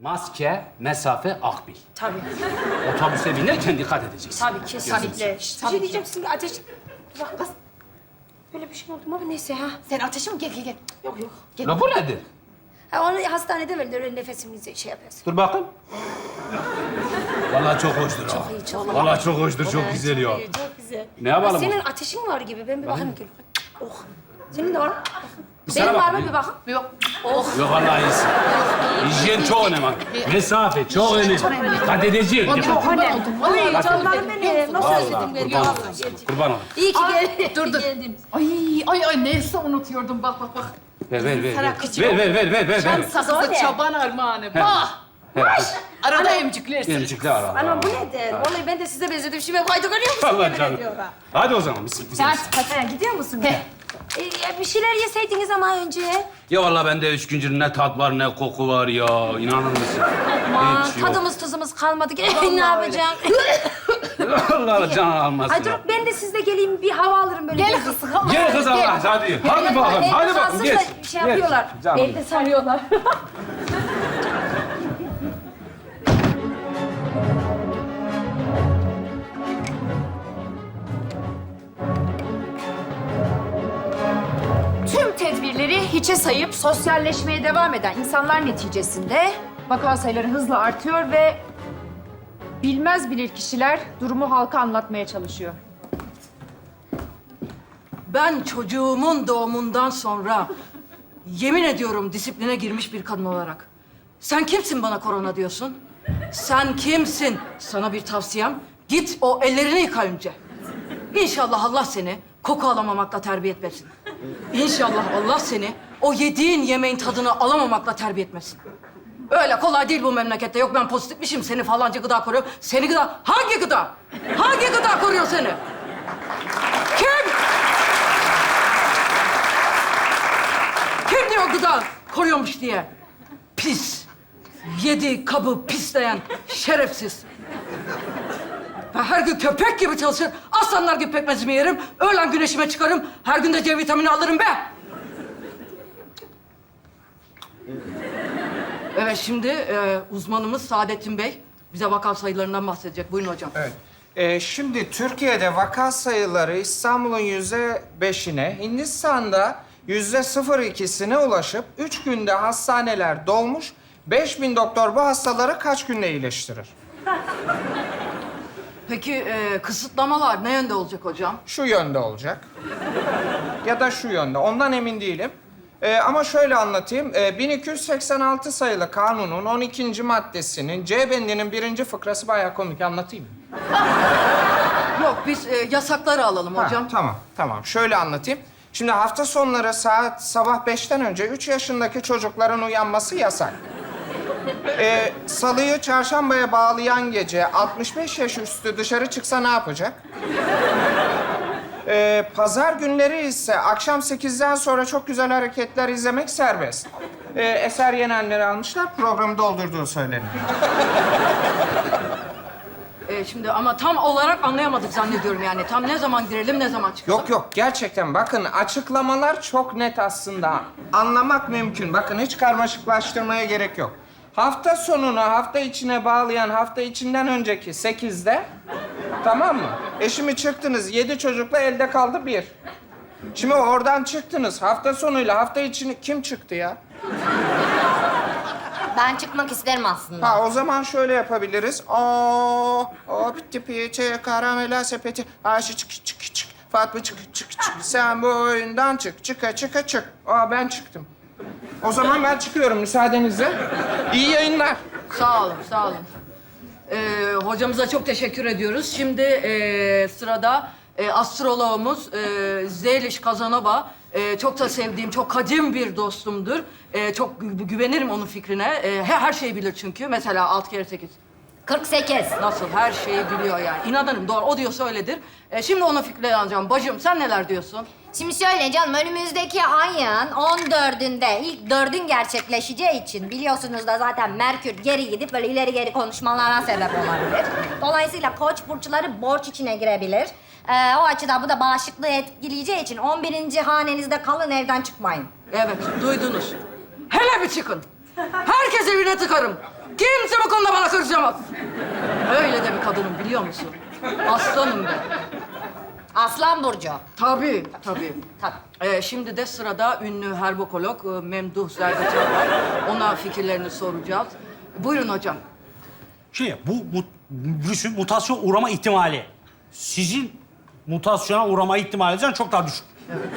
Maske, mesafe, akbil. Tabii. Otobüse binerken dikkat edeceksin. Tabii kesinlikle. Şşt, Tabii bir şey ki. diyeceğim şimdi ateş... Bak kız. Böyle bir şey oldu mu ama neyse ha. Sen ateşi mi? Gel gel gel. Yok yok. Gel. La bu nedir? Ha, onu hastanede verirler öyle nefesimizi şey yapıyorsun. Dur bakayım. Vallahi çok hoştur ha. Çok iyi, çok iyi. Vallahi çok hoştur, çok güzel ya. Çok güzel. Ne yapalım? Senin ateşin var gibi. Ben bir bakayım. Gel. Oh. Senin de var mı? sana Benim var mı bakayım. bir bakın? Yok. Oh. Yok vallahi iyisin. Hijyen çok önemli. Mesafe çok önemli. Dikkat edeceğim. Çok önemli. Ay canlarım benim. Nasıl Vallahi özledim beni. kurban olayım. Kurban olayım. İyi ki geldin. Dur dur. Ay neyse unutuyordum bak. Ver. Ver. Şans Söyle. sakızı çoban armağanı. Bak. Arada emciklersin. Emcikle ara. Anam bu nedir? Vallahi ben de size benzedim. Şimdi kaydı görüyor musun? Allah canım. Hadi o zaman biz. Hadi gidiyor musun? Bir şeyler yeseydiniz ama önce. Ya vallahi bende 3 gündür ne tat var ne koku var ya. İnanır mısın? Aman Hiç yok. tadımız tuzumuz kalmadı. Ne yapacağım? Allah Allah can almasın. Ay dur ben de sizle geleyim bir hava alırım böyle. Gel kız. Gel kız Allah hadi. Hadi bakalım. Evde Hadi bakalım. kalsın Geç. da şey yapıyorlar. Geç, canım. Evde sarıyorlar. Tüm tedbirleri hiçe sayıp sosyalleşmeye devam eden insanlar neticesinde vaka sayıları hızla artıyor ve bilmez bilirkişiler durumu halka anlatmaya çalışıyor. Ben çocuğumun doğumundan sonra yemin ediyorum disipline girmiş bir kadın olarak. Sen kimsin bana korona diyorsun? Sen kimsin? Sana bir tavsiyem. Git o ellerini yıka önce. İnşallah Allah seni koku alamamakla terbiye etmesin. İnşallah Allah seni o yediğin yemeğin tadını alamamakla terbiye etmesin. Öyle kolay değil bu memlekette. Yok ben pozitifmişim, seni falanca gıda koruyor. Seni gıda... Hangi gıda? Hangi gıda koruyor seni? Kim? Kim diyor gıda koruyormuş diye? Pis. Yedi kabı pisleyen şerefsiz. Ben her gün köpek gibi çalışır, aslanlar gibi pekmezimi yerim, öğlen güneşime çıkarım, her gün de C vitamini alırım be! Evet, şimdi uzmanımız Saadettin Bey bize vaka sayılarından bahsedecek. Buyurun hocam. Evet. Şimdi Türkiye'de vaka sayıları İstanbul'un %5'ine, Hindistan'da %0,2'sine ulaşıp 3 günde hastaneler dolmuş, 5000 doktor bu hastaları kaç günde iyileştirir? Peki kısıtlamalar ne yönde olacak hocam? Şu yönde olacak. Ya da şu yönde. Ondan emin değilim. Ama şöyle anlatayım. 1286 sayılı kanunun 12. maddesinin C bendinin 1. fıkrası bayağı komik. Anlatayım mı? Yok, biz yasakları alalım hocam. Ha, tamam. Şöyle anlatayım. Şimdi hafta sonları sabah 5'ten önce 3 yaşındaki çocukların uyanması yasak. Salıyı çarşambaya bağlayan gece 65 yaş üstü dışarı çıksa ne yapacak? Pazar günleri ise akşam 8'den sonra çok güzel hareketler izlemek serbest. Eser Yenenleri almışlar, programı doldurduğu söyleniyor. Şimdi ama tam olarak anlayamadık zannediyorum yani. Tam ne zaman girelim, ne zaman çıkalım? Yok, gerçekten bakın açıklamalar çok net aslında. Anlamak mümkün. Bakın hiç karmaşıklaştırmaya gerek yok. Hafta sonunu hafta içine bağlayan hafta içinden önceki 8'de, tamam mı? Şimdi çıktınız 7 çocukla elde kaldı 1. Şimdi oradan çıktınız hafta sonuyla hafta içini kim çıktı ya? Ben çıkmak isterim aslında. Ha o zaman şöyle yapabiliriz. O pitti piçe karamela sepeti. Ayşe çık. Fatma çık. Sen bu oyundan çık. Ben çıktım. O zaman ben çıkıyorum müsaadenizle. İyi yayınlar. Sağ olun. Hocamıza çok teşekkür ediyoruz. Şimdi sırada astroloğumuz Zeliş Kazanova. Çok da sevdiğim, çok kadim bir dostumdur. Çok güvenirim onun fikrine. Her şeyi bilir çünkü. Mesela 6 kere 8. 48. Nasıl? Her şeyi biliyor yani. İnanırım, doğru. O diyorsa öyledir. Şimdi onun fikrine alacağım. Bacım, sen neler diyorsun? Şimdi şöyle canım, önümüzdeki ayın 14'ünde ilk 4'ün gerçekleşeceği için biliyorsunuz da zaten Merkür geri gidip böyle ileri geri konuşmalara sebep olabilir. Dolayısıyla Koç burçları borç içine girebilir. O açıdan bu da bağışıklığı etkileyeceği için 11. hanenizde kalın, evden çıkmayın. Evet, duydunuz. Hele bir çıkın. Herkes evine tıkarım. Kimse bu konuda bana karışamaz. Öyle de bir kadınım biliyor musun? Aslanım ben. Aslan Burcu. Tabii, tabii. Tabii. Şimdi de sırada ünlü herbokolog Memduh Zerdeçal var. Ona fikirlerini soracağız. Buyurun hocam. Şimdi bu virüsün mutasyon uğrama ihtimali sizin mutasyona uğrama ihtimalinizden çok daha düşük.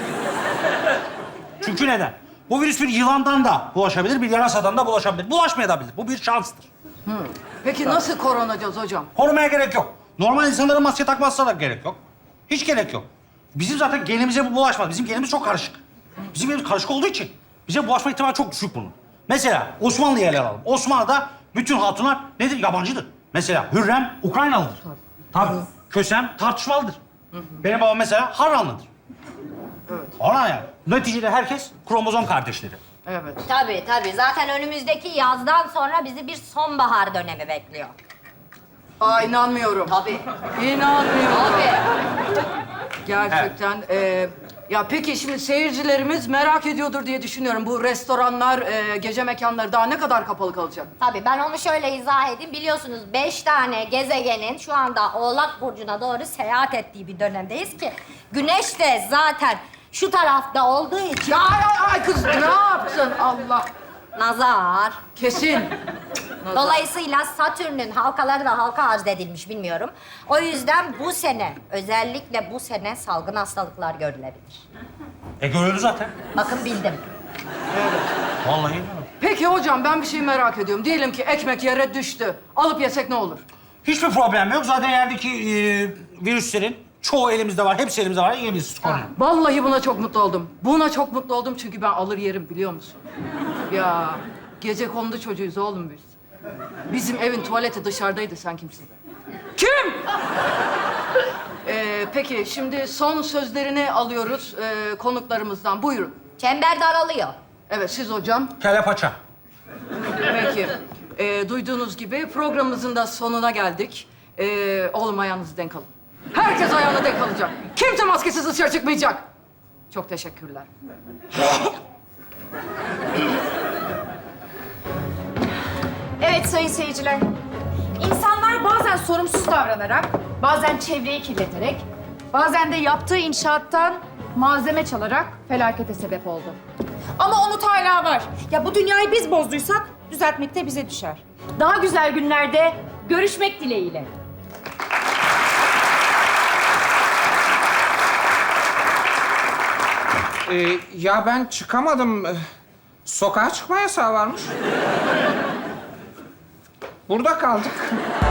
Çünkü neden? Bu virüs bir yılandan da bulaşabilir, bir yarasadan da bulaşabilir. Bulaşmayabilir. Bu bir şanstır. Peki nasıl korunacağız hocam? Korumaya gerek yok. Normal insanların maske takmasına da gerek yok. Hiç gerek yok. Bizim zaten genimize bu bulaşmaz. Bizim genimiz çok karışık. Bizim genimiz karışık olduğu için bize bulaşma ihtimali çok düşük bunun. Mesela Osmanlı'yı ele alalım. Osmanlı'da bütün hatunlar nedir? Yabancıdır. Mesela Hürrem Ukraynalıdır. Tabii. Kösem tartışmalıdır. Benim babam mesela Harranlıdır. Evet. Ona yani. Neticede herkes kromozom kardeşleri. Evet. Tabii tabii. Zaten önümüzdeki yazdan sonra bizi bir sonbahar dönemi bekliyor. Aa inanmıyorum. Tabii. İnanmıyorum. Tabii. Gerçekten. Ya peki şimdi seyircilerimiz merak ediyordur diye düşünüyorum. Bu restoranlar, gece mekanları daha ne kadar kapalı kalacak? Tabii ben onu şöyle izah edeyim. Biliyorsunuz 5 tane gezegenin şu anda Oğlak Burcu'na doğru seyahat ettiği bir dönemdeyiz ki... ...Güneş de zaten şu tarafta olduğu için... Ay kız ne yaptın Allah? Nazar. Kesin. Dolayısıyla Satürn'ün halkaları da halka arz edilmiş bilmiyorum. O yüzden bu sene, özellikle bu sene salgın hastalıklar görülebilir. Görüldü zaten. Bakın bildim. Vallahi. Peki hocam ben bir şey merak ediyorum. Diyelim ki ekmek yere düştü. Alıp yesek ne olur? Hiçbir problem yok. Zaten yerdeki virüslerin çoğu elimizde var. Hepsi elimizde var. Yiyebiliriz. Konuyu. Vallahi buna çok mutlu oldum. Buna çok mutlu oldum çünkü ben alır yerim biliyor musun? Ya gecekondu çocuğuyuz oğlum biz. Bizim evin tuvaleti dışarıdaydı sen kimsin? Kim? Peki şimdi son sözlerini alıyoruz konuklarımızdan. Buyurun. Çember daralıyor. Evet siz hocam. Kelle paça. Peki. Duyduğunuz gibi programımızın da sonuna geldik. Oğlum ayağınızı denk alın. Herkes ayağını denk alacak. Kimse maskesiz dışarı çıkmayacak. Çok teşekkürler. Evet sayın seyirciler. İnsanlar bazen sorumsuz davranarak, bazen çevreyi kirleterek, bazen de yaptığı inşaattan malzeme çalarak felakete sebep oldu. Ama umut hala var. Ya bu dünyayı biz bozduysak düzeltmek de bize düşer. Daha güzel günlerde görüşmek dileğiyle. Ya ben çıkamadım. Sokağa çıkma yasağı varmış. Burada kaldık.